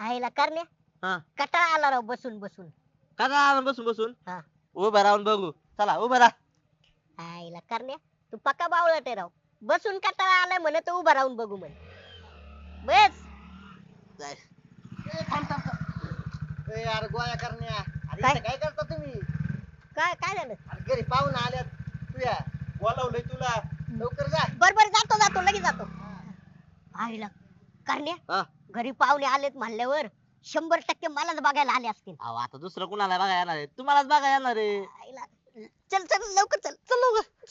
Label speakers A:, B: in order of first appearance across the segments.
A: आईला करण्या
B: हा
A: कटाळा आला राव बसून बसून.
B: करा बसून बसून
A: हा
B: उभं राहून बघू चला उभं राहा.
A: आईला करण्या तू पक्का बावळट आहे राव. बसून कटाळा आलाय म्हणे तर उभा राहून बघू म्हणे. बस.
B: जाय.
C: थांब थांब थांब. यार गोळ्या करण्या अरे
A: काय?
C: इथं काय करता तुम्ही?
A: काय काय झालं?
C: अरे घरी पाहुणे आल्यात. तू या बोलावलंय तुला. लवकर जा.
A: बर जातो जातो लगेच जातो. आईला करण्या
B: हा
A: घरी पाहुणे आलेत म्हणल्यावर 100% मलाच बघायला आले असतील.
B: अहो आता दुसरं कुणाला बघा येणार आहे तुम्हालाच बघा येणार आहे.
A: आईला चल चल लवकर चल चल लवकर.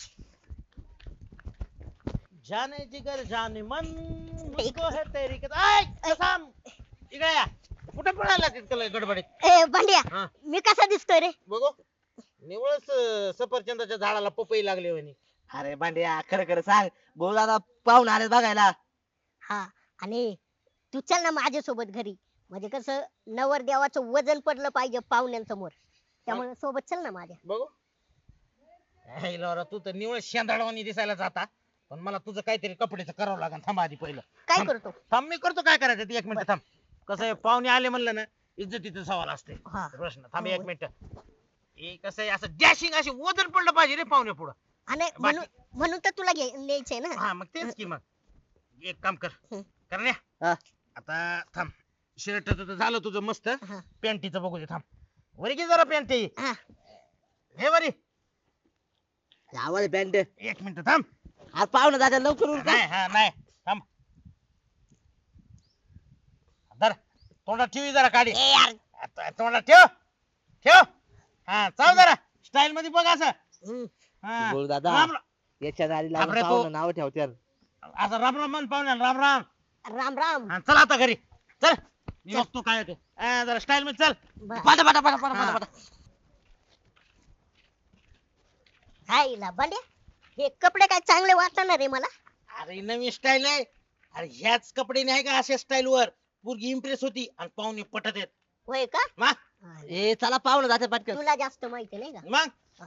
D: जाने जिगर जाने मन मुझको है तेरी कसम इकडे या कुठे पळाला तिथं गडबडीत
A: ए भांड्या
D: हा.
A: मी कसा दिसतोय रे?
D: बघू निवळच सफरचंदाच्या झाडाला पपई लागली म्हणे.
B: अरे भांड्या खरं खरं सांग भाऊ दादा पाहून आले बघायला.
A: हा आणि तू चल ना माझ्यासोबत घरी. म्हणजे कसं नवरदेवाचं वजन पडलं पाहिजे पाहुण्यांसमोर. त्यामुळे सोबत चल ना माझ्या.
D: बघू हे लवरा तू तर निवळ शेंदाडवानी दिसायला जाता पण मला तुझं काहीतरी कपड्याचं करावं लागेल. थांब आधी पहिलं
A: काय
D: थांब.
A: करतो?
D: थांब मी करतो काय करायचं ते 1 मिनिट थांब. कसं आहे पाहुणे आले म्हणलं ना इज्जतीचा सवाल असते.
A: हा.
D: प्रश्न थांब
A: हो.
D: 1 मिनिट. हे कसं आहे असं डॅशिंग अशी वजन पडलं पाहिजे रे पाहुणे पुढं.
A: आणि म्हणून तर तुला न्यायचंय ना.
D: हा मग तेच की मग एक काम कर
A: हं.
D: करण्या
B: हा.
D: आता थांब शर्ट तर झालं तुझं मस्त.
A: हा.
D: पॅन्टीचं बघू दे थांब. वरी घे जरा पॅन्ट
A: हा.
D: हे वरी
B: आवाज बँड
D: 1 मिनिट थांब.
B: आज पाहुणं दादा लवकर उरका.
D: नाही हा नाही थांब. धर तोंडात ठेवी जरा काढी.
A: ए यार.
D: आता तोंडात ठेव ठेव. हा चाल जरा स्टाईल मध्ये बघ असं.
A: हम्म.
D: हा.
B: बोल दादा.
D: राम राम.
B: याच्या नादी
D: बापरे,
B: लागून
D: तो-
B: पाहुणं नाव ठेवत्यात.
D: असं राम राम म्हण पाहुण्या राम राम.
A: राम राम.
D: हा चल आता घरी चल. मी बघतो काय होते जरा स्टाईल मध्ये चल.
A: बर.
B: पटा पटा पटा पटा पटा पटा.
A: आईला भांड्या हे कपडे काय चांगले वाटणार रे मला.
D: अरे नवीन स्टाईल आहे. अरे ह्याच कपडे नाही का अशा स्टाईल वर पोरगी इम्प्रेस होती आणि पाहुणे पटत आहेत.
A: होय का?
D: मग
B: ए चला पाहुणं जाते पटकन.
A: तुला जास्त माहिती नाही का?
D: मग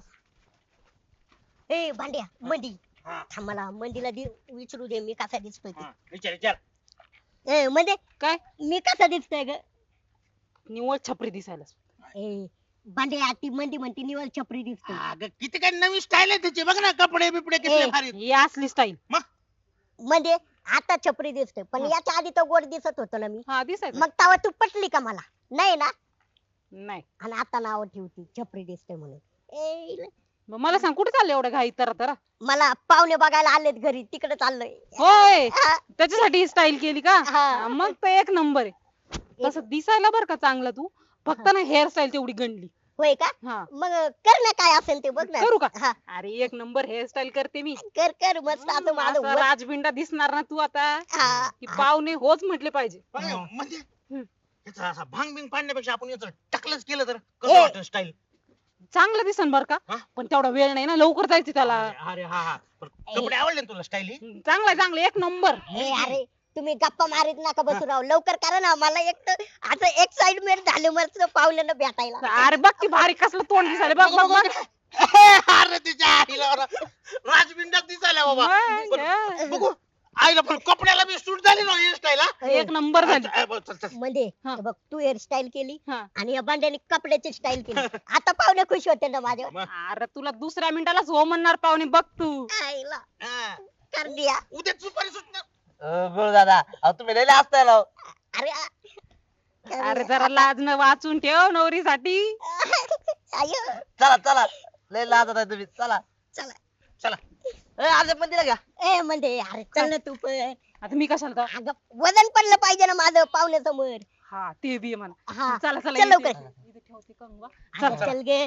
A: ए भांड्या मंदी
D: हा,
A: थांब मला मंदीला विचारू दे मी कसा दिसतोय ते.
D: हा, विचार विचार.
A: ए म्हणजे
E: काय
A: मी कसा दिसतोय ग?
E: निव्वळ छपरी दिसायला.
A: ए भांड्या ती मंदी म्हणती निवळ छपरी दिसतोय.
D: अगं किती काय नवीन स्टाईल आहे त्याची बघ ना कपडे बिपडे किती
A: ए.
D: भारी.
E: ही असली स्टाईल.
A: म्हणजे आता छपरी दिसतोय पण
E: हा.
A: याच्या आधी तर गोड दिसत होतो ना मी.
E: हा दिसायचं.
A: मग तेव्हा तू पटली का मला? नाही ना.
E: नाही
A: आणि आता नाव ठेवती छपरी दिसतोय म्हणून. ए
E: मग मला सांग कुठे चालले एवढं घाई तर
A: मला पाहुणे बघायला आलेत घरी तिकडे चाललोय.
E: होय
A: हा,
E: त्याच्यासाठी ही स्टाईल केली का?
A: हा.
E: हा, मग तर 1 नंबर आहे. तसं दिसायला बरं का चांगलं तू फक्त ना हेअरस्टाईल तेवढी गणली.
A: होय का?
E: हा
A: मग कर ना काय असेल ते बघ ना.
E: करू का?
A: हा
E: अरे 1 नंबर हेअरस्टाईल करते मी.
A: कर कर मस्त आता माझं
E: असा
A: वर-
E: राजबिंडा दिसणार ना तू आता
A: हा,
E: की पाहुणे होच म्हटले पाहिजे.
D: म्हणजे
E: हम्म.
D: याचा असा भांग बिंग पाडण्यापेक्षा आपण याचं टकलच केलं तर
A: ए.
D: कसं वाटतं स्टाईल.
E: चांगलं दिसन बर का?
D: हा?
E: पण तेवढा वेळ नाही ना लवकर जायचं त्याला.
D: अरे हा हा पण कपडे आवडले ना तुला स्टाईल ही.
E: चांगला चांगलं 1 नंबर.
A: ए अरे तुम्ही गप्पा मारीत नका बसू राव लवकर करा ना मला एक तर आता एक्साइटमेंट झाली मस्त पाहुण्यांना भेटायला.
E: अरे बघ की भारी कसलं तोंड दिसायला बघ बघ बघ.
D: अरे तिच्या आईला राजबिंडात दिसायला बाबा.
E: मग,
D: पण
E: हा.
D: बघू आईला पण कपड्याला बी सूट झाली ना ही स्टाईल.
E: 1 नंबर झाली.
D: चल चल.
A: म्हणजे
E: हा.
A: हे बघ तू हेअरस्टाईल केली
E: हा.
A: आणि या बांड्याने कपड्याची स्टाईल केली. आता पाहुणे खुश होते ना माझ्या.
E: अरे तुला दुसऱ्या मिनिटालाच हो म्हणणार पाहुणे बघ तू.
A: आईला
D: हा.
A: कर दिया.
D: उद्या सुपारी सुटणार.
B: बोल दादा अहो तुम्ही लय असताय राव.
A: अरे
E: अरे जरा लाज न वाचून ठेव नवरीसाठी.
A: आयो
B: चला चला लय लाजत आहे तुम्ही चला.
A: चला.
D: चला
B: ए आज मंदिरा घ्या.
A: ए म्हणजे अरे चल ना तू पण.
E: आता मी कशाला तर-
A: अगं वजन पडलं पाहिजे ना माझं पाहुण्यासमोर.
E: हा ते बी आहे म्हणा.
A: हा
E: चला चला
A: चल लवकर.
E: इथे ठेवते कंगवा.
A: अगं,
E: चल
A: चल गे.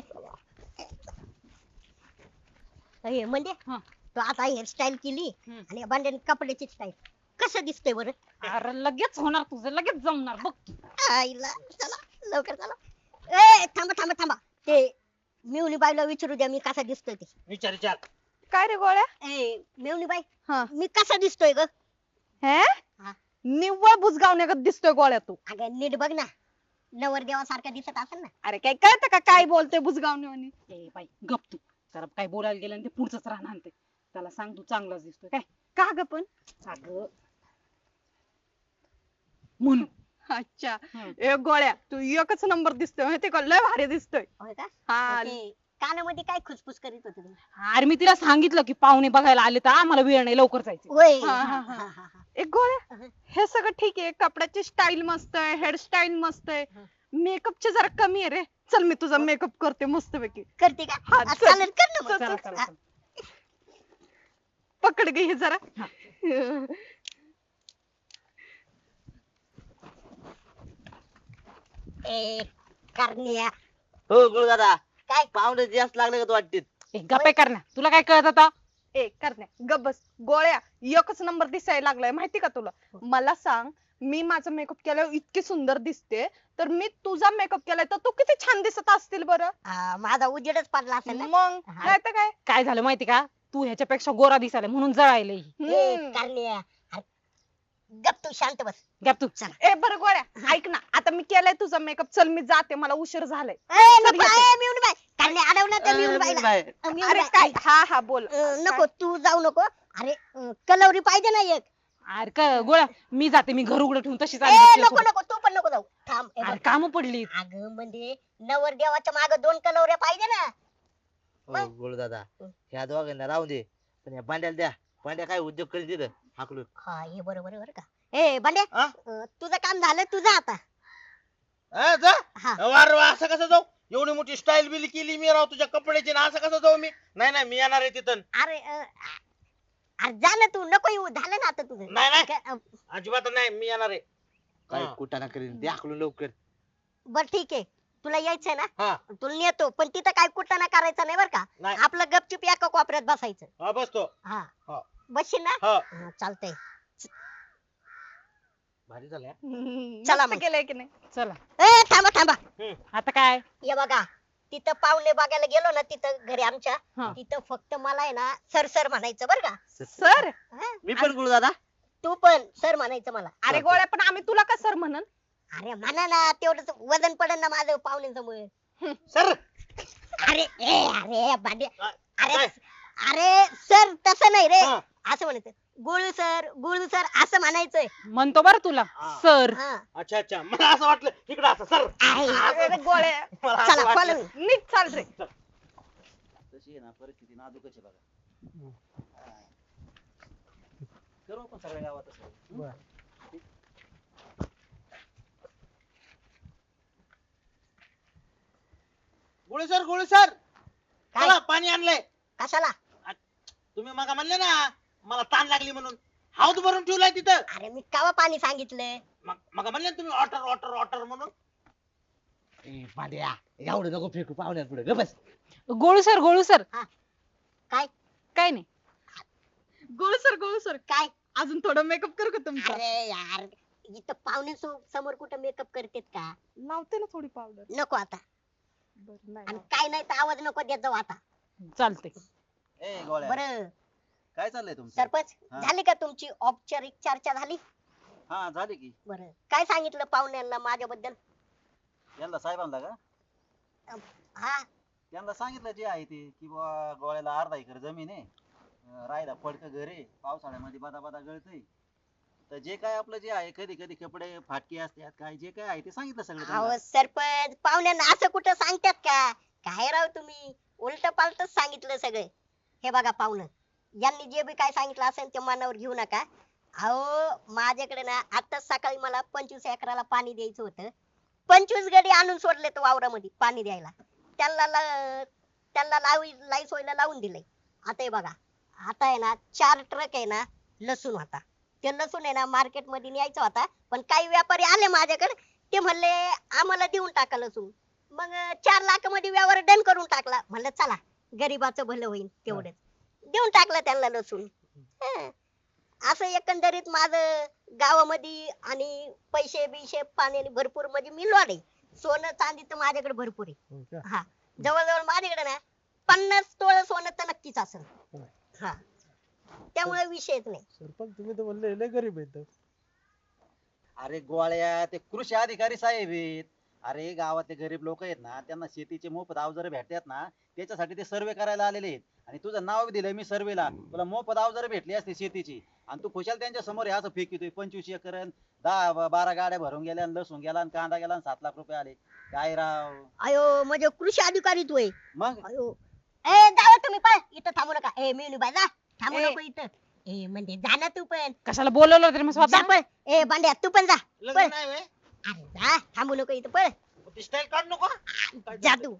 A: ए, म्हणजे
E: हा.
A: तू आता हेअरस्टाईल केली
E: हम्म.
A: आणि या बांड्याने कपड्याची स्टाईल कसं दिसतंय बरं?
E: अरे लगेच होणार तुझं लगेच जमणार बघ तू.
A: आईला चला लवकर चला. ए थांबा थांबा थांबा ते मेवणी बाईला विचारू द्या मी कसा दिसतोय ते.
D: विचार विचार.
E: काय रे गोळ्या?
A: ए मेवणी बाई
E: हा.
A: मी कसा दिसतोय ग?
E: हे
A: हा.
E: निव्वळ बुजगावण्यागत दिसतोय गोळ्या तू.
A: अगं नीट बघ ना नवरदेवासारखा दिसत असेल ना.
E: अरे काय कळतं का काय बोलतोय बुजगावण्यावानी? ए बाई गप तू. जरा काय बोलायला गेलं आणि ते पुढचंच राहणार ते. त्याला सांग तू चांगलाच दिसतोय काय. का ग पण? अगं म्हणून अच्छा
A: हम्म.
E: ए गोळ्या तू एकच नंबर दिसतोय माहिती का लय भारी दिसतोय
A: होय का
E: हा
A: ते कानामध्ये काय खुसफुस करीत होते तुम्ही
E: अरे मी तिला सांगितलं की पाहुणे बघायला आले तर आम्हाला वेळ नाही लवकर जायचं
A: होय
E: हा,
A: हा,
E: हा,
A: हा,
E: हा.
A: हा, हा.
E: एक गोळ्या
A: अहं.
E: हे सगळं ठीक आहे कपड्याची स्टाईल मस्त आहे हेअरस्टाईल मस्त आहे
A: हं.
E: मेकअपची जरा कमी आहे रे चल मी तुझा मेकअप करते मस्त पैकी
A: करते का
E: हा, चल.
A: चालेल कर ना मग.
E: चल,
A: हा.
E: चल, चल. पकड घे हे जरा
A: ए करण्या
B: हो गुरु दादा
A: काय
B: पाहुणे जास्त लागले का तू वाटते
E: गप्पे कर ना तुला काय कळत आता ए करण्या गप बस गोळ्या एकच नंबर दिसायला लागलाय माहिती का तुला मला सांग मी माझा मेकअप केल्यावर इतकी सुंदर दिसते तर मी तुझा मेकअप केलाय तर तू किती छान दिसत असतील बरं
A: माझा उजेडच पडला असेल ना
E: मग
A: हा.
E: नाही तर काय झालं माहिती का तू ह्याच्यापेक्षा गोरा दिसायला म्हणून जळायले
A: ए करण्या अरे, गप तू शांत बस
E: गप तू
A: चला
E: ए बरं गोळ्या ऐक ना आता मी केलाय तुझा मेकअप चल मी जाते मला उशीर झालाय
A: ए,
E: चल
A: नको
E: येते.
A: ए, मिळून बाय करण्या अडवलं तर मिळून बायला
B: बाय.
A: मिळून
E: अरे
A: बाई.
E: काय हा हा बोल
A: नको तू जाऊ नको अरे कलवरी पाहिजे ना एक
E: अरे गोळ्या मी जाते मी घर उघडं ठेवून तशीच आली
A: ए
E: बसली
A: नको
E: सोबत.
A: नको तू पण नको जाऊ थांब हे
E: अरे
A: बघ.
E: काम पडली
A: अगं म्हणजे नवरदेवाच्या माग 2 कलवऱ्या पाहिजे ना
B: हो गुरु दादा ह्या दोघांना राहू दे पण या भांड्याला द्या भांड्या काय उद्योग करेल तिथं हाकलून
A: हा हे बरोबर आहे बरं का ए बंड्या
C: हा?
A: तुझं काम झालं तुझं आता
C: जा
A: हा
C: वार वा असं कसं जाऊ एवढी मोठी स्टाईल बिल केली मी राव तुझ्या कपड्याची ना असं कसं जाऊ मी नाही मी येणार आहे तिथं
A: अरे अरे जा ना तू नको येऊ झालं ना आता तुझं
C: नाही, नाही.
A: क-
C: अजिबात नाही मी येणार आहे
B: काय
C: हा.
B: कुटाणा करेल द्या हाकलून लवकर
A: बर ठीक आहे तुला यायचंय ना
C: हा
A: तुला नेतो पण तिथं काय कुटाणा करायचा नाही बरं का
C: नाही.
A: आपलं गपचूप एका कोपऱ्यात बसायचं
C: हा बसतो
A: हा
C: हा.
A: बसशील ना
C: हा
A: हा, चालतंय
C: भारी झालं
A: चला
E: मस्त
A: मग.
E: केलंय की नाही चला
A: ए थांबा थांबा
E: आता काय
A: हे बघा तिथं पाहुणे बघायला गेलो ना तिथं घरी आमच्या
E: हा.
A: तिथं फक्त मला आहे ना सर सर म्हणायचं बरं का
E: सर
A: हा?
B: मी पण गुरु दादा
A: तू पण सर म्हणायचं मला
E: अरे गोळ्या पण आम्ही तुला का सर म्हणन
A: अरे म्हणा ना तेवढंच वजन पडेल ना माझं पाहुण्यांसमोर
C: सर
A: अरे अरे भांडे अरे
C: काय?
A: अरे सर तसं नाही रे
C: हा.
A: असं म्हणायचं गुळू सर असं म्हणायचंय
E: म्हणतो बरं तुला
C: हा.
E: सर
A: हा
C: अच्छा मला असं वाटलं इकडं असं सर
A: आहे.
E: अरे गोळ्या
C: मला असं
A: चला
C: वाटलं.
A: follow.
E: नीट चाल रे
B: तशी आहे ना परिस्थिती नाजूकच आहे बघा करू आपण सगळ्या गावात असं.
C: गोळी सर
A: काय?
C: चला पाणी आणलंय
A: कशाला
C: तुम्ही मग म्हणले ना मला ताण लागली म्हणून हाऊस भरून ठेवलाय तिथं
A: अरे मी कावा पाणी सांगितलंय
C: मग म्हणले ना तुम्ही ऑटर म्हणून
B: ए भांड्या एवढं नको फेकू पाहुण्यात पुढे ग बस
E: गोळू सर
A: काय
E: काय नाही गोळू सर
A: काय
E: अजून थोडं मेकअप करू का तुमचा
A: अरे यार इथं पाहुणे समोर कुठं मेकअप करतेत का
E: लावते ना थोडी पावडर
A: नको आता
E: बरं नाही
A: आणि काय नाही तर आवाज नको देत जाऊ आता
E: चालते
B: ए गोळ्या
A: बरं
B: काय चाललंय तुमचं
A: सरपंच
B: हा.
A: झाली का तुमची औपचारिक चर्चा झाली
B: हा झाले की
A: बरं काय सांगितलं पाहुण्यांना माझ्याबद्दल
B: यांना साहेबांना का
A: हा
B: त्यांना सांगितलं जे आहे ते की बुवा गोळ्याला अर्धा एकर जमीन आहे राहायला पडकं घर आहे पावसाळ्यामध्ये बदा बदा गळतंय तर जे काय आपलं जे आहे कधी कधी कपडे फाटके असतात काय जे काय आहे ते सांगितलं सगळं त्यांना.
A: अहो सरपंच पाहुण्यांना असं कुठं सांगतात का काय राव तुम्ही उलट पालटच सांगितलं सगळे हे बघा पाहुणं यांनी जे बी काय सांगितलं असेल ते मनावर घेऊ नका अहो माझ्याकडे ना आताच सकाळी मला 25 एकराला पाणी द्यायचं होतं 25 गडी आणून सोडले तो वावरामध्ये पाणी द्यायला त्यांना लाई सोयला लावून दिलंय आता हे बघा आता आहे ना 4 ट्रक आहे ना लसूण होता ते लसूण आहे ना मार्केट मध्ये न्यायचा होता पण काही व्यापारी आले माझ्याकडे ते म्हणले आम्हाला देऊन टाका लसूण मग 4 लाख मध्ये व्यवहार डन करून टाकला म्हणलं चला गरीबाचं भलं होईल तेवढंच देऊन टाकलं त्यांना लसूण हं. असं एकंदरीत माझं गावामध्ये आणि पैसे बिशे पाण्याने भरपूर म्हणजे मी लॉड आहे सोनं चांदी तर माझ्याकडे भरपूर आहे हा जवळजवळ माझ्याकडे ना 50 तोळ सोनं तर नक्कीच असेल हा त्यामुळे विषयच नाही
F: सरपंच तुम्ही तर म्हणले लय गरीब आहेत
B: अरे गोळ्या ते कृषी अधिकारी साहेब आहेत अरे गावातले गरीब लोक आहेत ना त्यांना शेतीचे मोफत अवजारे भेटतात ना त्याच्यासाठी ते सर्वे करायला आलेले आहेत आणि तुझं नाव दिलंय मी सर्वेला तुला मोफत अवजारे भेटली असते शेतीची आणि तू खुशाल त्यांच्या समोर हे असं फेकितोय 25 एकर 10-12 गाड्या भरून गेल्या आणि लसूण गेला आणि कांदा गेला आणि 7 लाख रुपये आले काय राव
A: अयो म्हणजे कृषी अधिकारी तू आहे.
B: मग
A: अयो ए जावा तुम्ही पण इथं थांबू नका. ए मेनू बाय जा थांबू
E: ए.
A: नको इथं. ए म्हणजे जा ना तू पण.
E: कशाला बोलवलं होतं रे मग
A: जा
E: स्वतः
A: पण. ए बांड्या तू पण जा.
C: लग्न
A: पण.
C: नाही व्हय?
A: अरे जा थांबू नको इथं पण.
C: ती स्टाईल काढ नको
A: जा तू.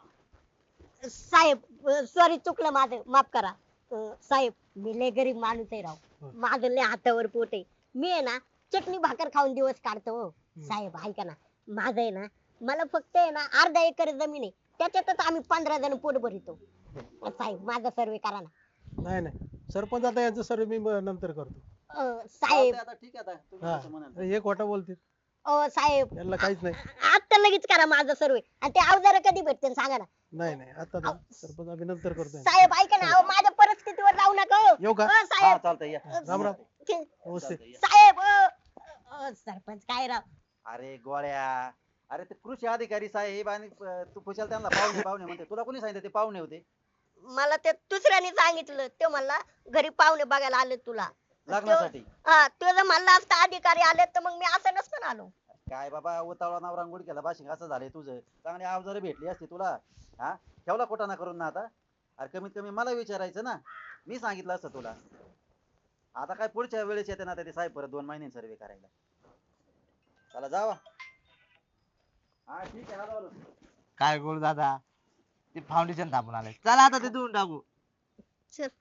A: साहेब सॉरी चुकलं माझं माफ करा. साहेब मी लय गरीब माणूस आहे राव. माझं लय हातावर पोट आहे. मी आहे ना चटणी भाकर खाऊन दिवस काढतो हो. साहेब ऐका ना माझं आहे ना मला फक्त आहे ना अर्धा एकर जमीन आहे त्याच्यातच आम्ही 15 जण पोट भरितो. साहेब माझा सर्वे करा ना.
F: नाही नाही सरपंच आता यांचं सर्व मी नंतर करतो.
A: साहेब
B: चालतंय आता ठीक आहे आता तुम्ही
F: हा
B: जसं म्हणाल.
F: हे खोटं बोलतील
A: साहेब
F: यांना काहीच नाही.
A: आता लगेच करा माझा सर्वे आणि ते अवजार कधी भेटते सांगा ना.
F: नाही नाही आता तर सरपंच आम्ही नंतर करतोय.
A: साहेब ऐका ना अहो, माझ्या परिस्थितीवर राहू नका हो.
F: येऊ का?
B: हा
A: साहेब
B: चालतंय या
F: राम राम.
A: ते-
F: नमस्ते.
B: चालतंय, या.
A: साहेब सरपंच काय राव.
B: अरे गोळ्या अरे ते कृषी अधिकारी साहेब आणि तू खुशाल त्यांना पाहुणे पाहुणे म्हणते तुला कोणी सांगितलं ते पाहुणे होते
A: मला ते दुसऱ्याने सांगितलं ते म्हणला घरी पाहुणे बघायला आले तुला.
B: लग्नासाठी
A: हा तो जर म्हणला असता अधिकारी आले तर मग मी असं नसतं आलो.
B: काय बाबा उतावळा नवरा गुडघ्याला बाशिंग असं झालंय तुझं चांगली अवजारे भेटली असती तुला हा ठेवला कोटाना करून ना आता अरे कमीत कमी मला विचारायचं ना मी सांगितलं असतं तुला आता काय पुढच्या वेळेस येते ना आता ते साहेब परत 2 महिन्यांनी सर्वे करायला चला जावा हा ठीक आहे आलो.
G: काय करू दादा ते फाउंडेशन थांबून आलंय चला आता ते देऊन टाकू
A: चल